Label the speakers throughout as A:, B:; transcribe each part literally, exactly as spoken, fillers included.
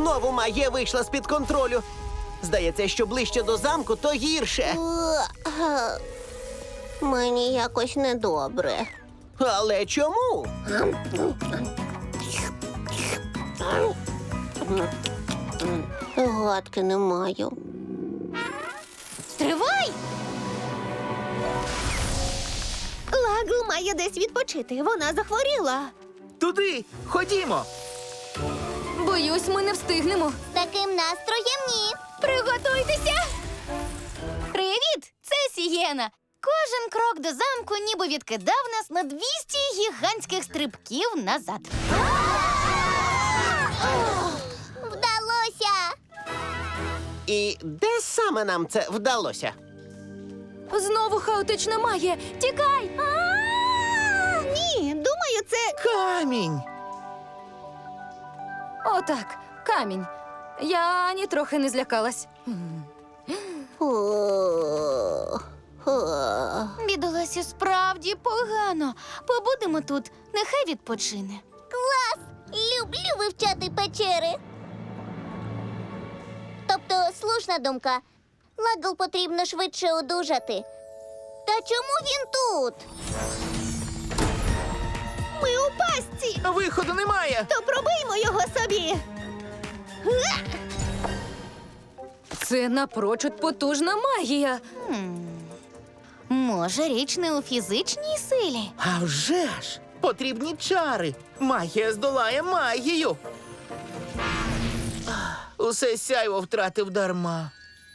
A: Знову магія вийшла з-під контролю. Здається, що ближче до замку, то гірше.
B: Мені якось недобре.
A: Але чому?
B: Гадки не маю.
C: Стривай! Лагл має десь відпочити. Вона захворіла.
D: Туди! Ходімо!
C: Боюсь, ми не встигнемо.
B: З таким настроєм ні.
C: Приготуйтеся! Привіт! Це Сієна. Кожен крок до замку ніби відкидав нас на двісті гігантських стрибків назад.
B: Вдалося!
A: І де саме нам це вдалося?
C: Знову хаотична магія. Тікай! Ні, думаю, це...
D: Камінь!
C: Отак, камінь. Я ані трохи не злякалась.
B: О, о.
C: Бідоласі справді погано. Побудемо тут, нехай відпочине.
B: Клас! Люблю вивчати печери. Тобто, слушна думка. Лагл потрібно швидше одужати. Та чому він тут?
C: Ми у пастці,
D: Виходу немає!
C: то пробиймо його собі. Це напрочуд потужна магія. Може, річ не у фізичній силі?
D: А вже ж! Потрібні чари! Магія здолає магію! Ах, усе сяйво втратив дарма.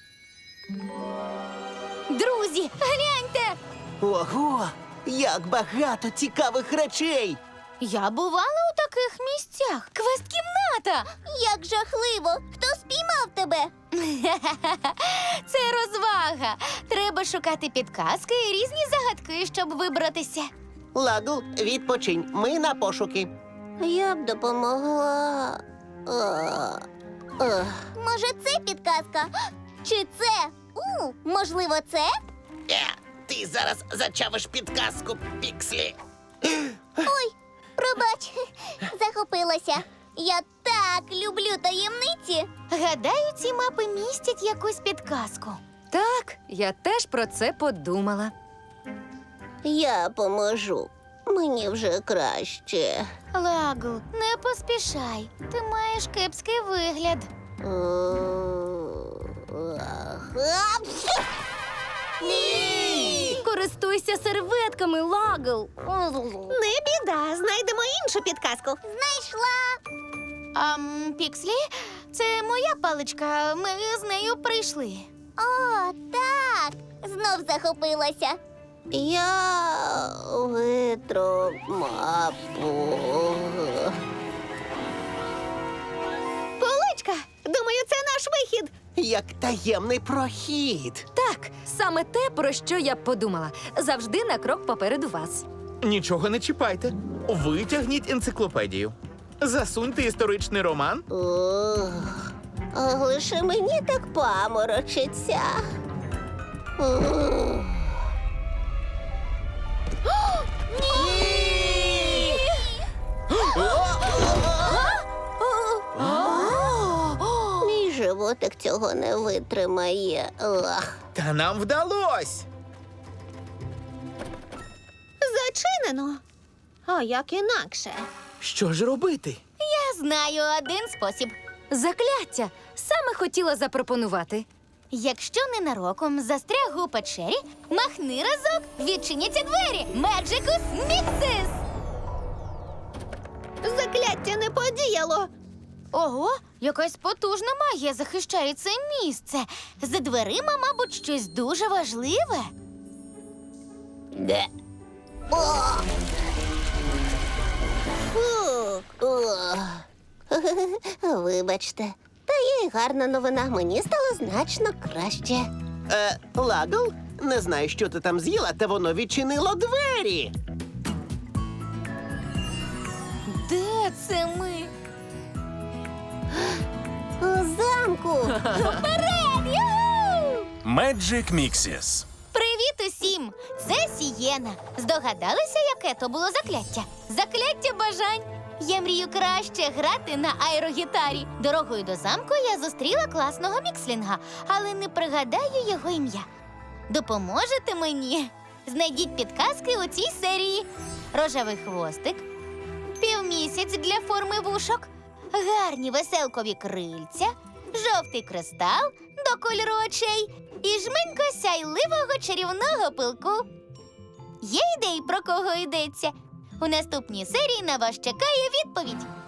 C: Друзі, гляньте!
A: Ого! Як багато цікавих речей!
C: Я бувала у таких місцях. Квест-кімната!
B: Як жахливо! Хто спіймав тебе?
C: Це розвага. Треба шукати підказки і різні загадки, щоб вибратися.
A: Лагл, відпочинь, ми на пошуки.
B: Я б допомогла. Може, це підказка? Чи це? У, можливо, це?
A: Е, ти зараз зачавиш підказку, Пікслі.
B: Ой, пробач, захопилася. Я так люблю таємниці.
C: Гадаю, ці мапи містять якусь підказку. Так, я теж про це подумала.
B: Я поможу. Мені вже краще.
C: Лагл, не поспішай. Ти маєш кепський вигляд.
B: Ні!
C: Користуйся серветками, Лагл. Не біда, знайдемо іншу підказку.
B: Знайшла.
C: Ам, Пікслі, це моя паличка. Ми з нею прийшли.
B: О, так. Знов захопилася. Я витру мапу.
C: Поличка, думаю, це наш вихід.
A: Як таємний прохід.
C: Так, саме те, про що я б подумала. Завжди на крок попереду вас.
D: Нічого не чіпайте. Витягніть енциклопедію. Засуньте історичний роман.
B: Ох, а лише мені так паморочиться. Ох. Мій животик цього не витримає. Ох.
D: Та нам вдалось!
C: Зачинено. А як інакше?
D: Що ж робити?
C: Я знаю один спосіб. Закляття. Саме хотіла запропонувати. Якщо ненароком застряг у печері, махни разок, відчиняться двері. Меджикус Міксис! Закляття не подіяло. Ого, якась потужна магія захищає це місце. За дверима, мабуть, щось дуже важливе.
B: Де? О! Фу. О! Вибачте. Та є й гарна новина. Мені стало значно краще.
A: Е, Лагл, не знаю, що ти там з'їла, та воно відчинило двері.
C: Де це ми?
B: У замку.
C: Вперед! Юху!
E: Magic Mixes.
C: Привіт усім! Це Сієна. Здогадалися, яке то було закляття? Закляття бажань. Я мрію краще грати на аерогітарі. Дорогою до замку я зустріла класного мікслінга, але не пригадаю його ім'я. Допоможете мені? Знайдіть підказки у цій серії. Рожевий хвостик, півмісяць для форми вушок, гарні веселкові крильця, жовтий кристал до кольору очей і жменько сяйливого чарівного пилку. Є ідеї, про кого йдеться? У наступній серії на вас чекає відповідь.